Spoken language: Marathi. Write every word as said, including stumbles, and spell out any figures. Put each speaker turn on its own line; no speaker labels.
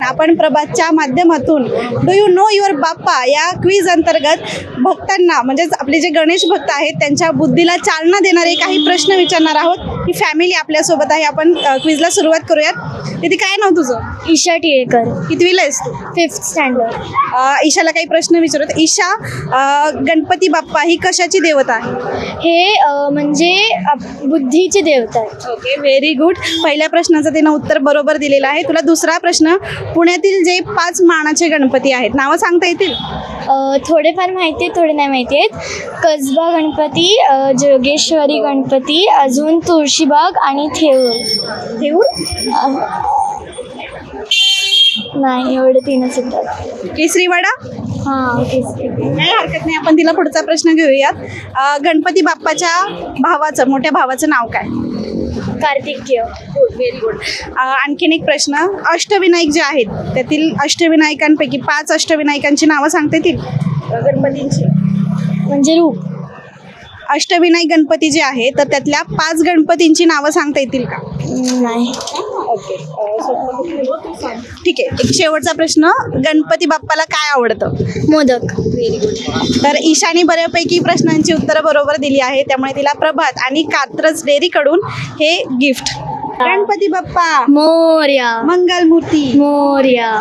आपण प्रभातच्या माध्यमातून do you know your Bappa या क्विज अंतर्गत भक्तांना म्हणजेच आपले जे गणेश भक्त आहेत त्यांच्या बुद्धीला चालना देणारे काही प्रश्न विचारणार आहोत. ही फॅमिली आपल्यासोबत आहे. आपण क्विजला सुरुवात करूयात. तिथे काय नाव तुझं?
ईशा टिळेकर,
कितवीला आहेस तू?
Fifth standard.
अ, ईशाला काही प्रश्न विचारत. ईशा, अ, गणपती बाप्पा ही कशाची देवता आहे?
हे अ, म्हणजे आप- बुद्धीची देवता आहे.
Okay, very good. पहिल्या प्रश्नाचं तिनं उत्तर बरोबर दिलेलं आहे. तुला दुसरा प्रश्न, पुण्यातील जे पाच मानाचे गणपती आहेत नावं सांगता येतील?
अ, थोडेफार माहिती आहेत, थोडे नाही माहिती आहेत. कसबा गणपती, अ, जोगेश्वरी गणपती, अजून तुळशीबाग आणि थेऊर.
ठेवूर,
अ, नाही, एवढे तीनच येतात.
केसरीवाडा.
हां, तेच.
काही हरकत नाही. आपण तिला पुढचा प्रश्न घेऊयात. अ, गणपती बाप्पाच्या भावाचं, मोठ्या भावाचं नाव काय?
कार्तिकेय.
Good, very good. आणखीन एक प्रश्न, अष्टविनायक जे आहेत त्यातील अष्टविनायकांपैकी पाच अष्टविनायकांची नावं सांगता येतील अ, गणपतींची?
म्हणजे रूप.
अष्टविनायक गणपती जे आहे तर त्यातल्या पाच गणपतींची नावं सांगता येतील का?
नाही.
ओके, ठीक आहे. एक शेवटचा प्रश्न, गणपती बाप्पाला काय आवडतं?
मोदक.
तर ईशानी बऱ्यापैकी प्रश्नांची उत्तरं बरोबर दिली आहे, त्यामुळे तिला प्रभात आणि कात्रज डेअरीकडून हे गिफ्ट. गणपती बाप्पा
मोरया.
मंगलमूर्ती.
मोरया.